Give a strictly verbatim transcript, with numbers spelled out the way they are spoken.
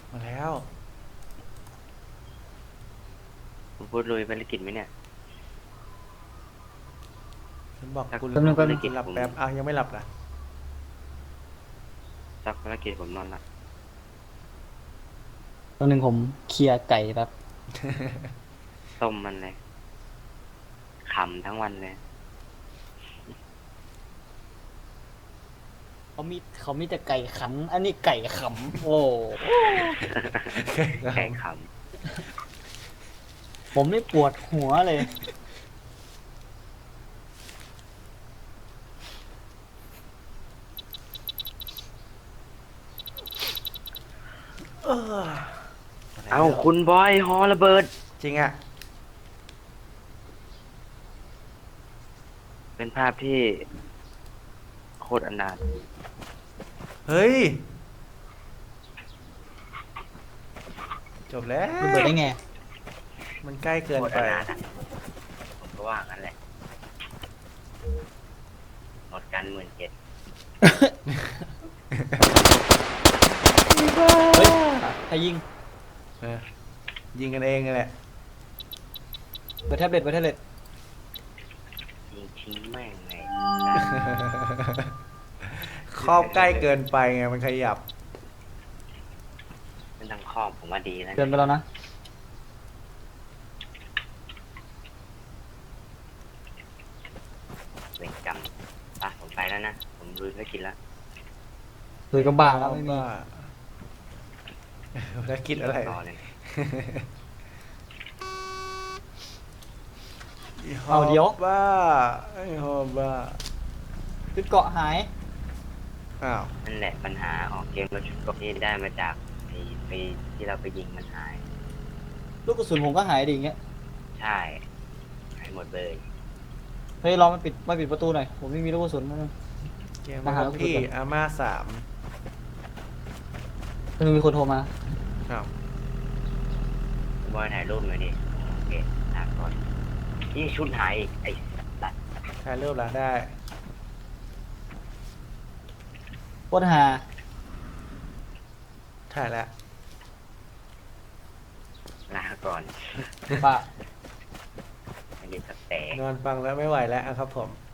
มาแล้วผมพูดลุยภารกิจไหมเนี่ยฉันบอกสักกูแป๊บนึงแป๊บนึงกูหลับแป๊บอ้าวยังไม่หลับนะสักภารกิจผมนอนละตอนหนึ่งผมเคลียร์ไก่แบบต้มมันเลยขำทั้งวันเลยเขามีเขามีแต่ไก่ขัน อันนี้ไก่ขำโอ้แข่งขผมนี่ปวดหัวเลยเออำเอาคุณบอยฮอระเบิดจริงอ่ะเป็นภาพที่โคตรอนาถเฮ้ย จบแล้วระเบิดได้ไงมันใกล้เกินโคตรไปอนาถอะผมก็ว่างั้นแหละหมดกันหมื่นเจ็ดเฮ้ยใครยิงเออยิงกันเองนั่นแหละเปิดแท็บเล็ตเปิดแท็บเล็ตยิงทิ้งแม่งไงครอบใกล้เกินไปไงมันขยับไม่ต้องครอบผมว่าดีแล้วเดินไปเนี่ยแล้วนะเวรกรรมอ่ะผมไปแล้วนะ ผมลุยภารกิจแล้วเดินก็บ้าแล้วไม่มีบ้าแล้วคิดอะไรรอเลยเอาเดี๋ยวบ้าไอ้ฮอบบ้าชุดเกาะหายอ้าวนั่นแหละปัญหาออกเกมแล้วชุดเกราะที่ได้มาจากไอ้ไปที่เราไปยิงมันหายลูกกระสุนผมก็หายดิอย่างเงี้ยใช่หายหมดเลยเฮ้ยลองมาปิดมาปิดประตูหน่อย ผมไม่มีลูกกระสุนนะเกมมาหาแล้วพี่ลูกกระสุนอาม่าสามมันมีคนโทรมาอ้าวบอยถ่ายรูปหน่อยดิโอเคลาก่อนนี่ชุดหายอีกไอ้สัตว์ถ่ายรูปแล้วได้โคตรหาถ่ายแล้วลาก่อนป่ะไม่ได้สักแต่นอนฟังแล้วไม่ไหวแล้วอะครับผม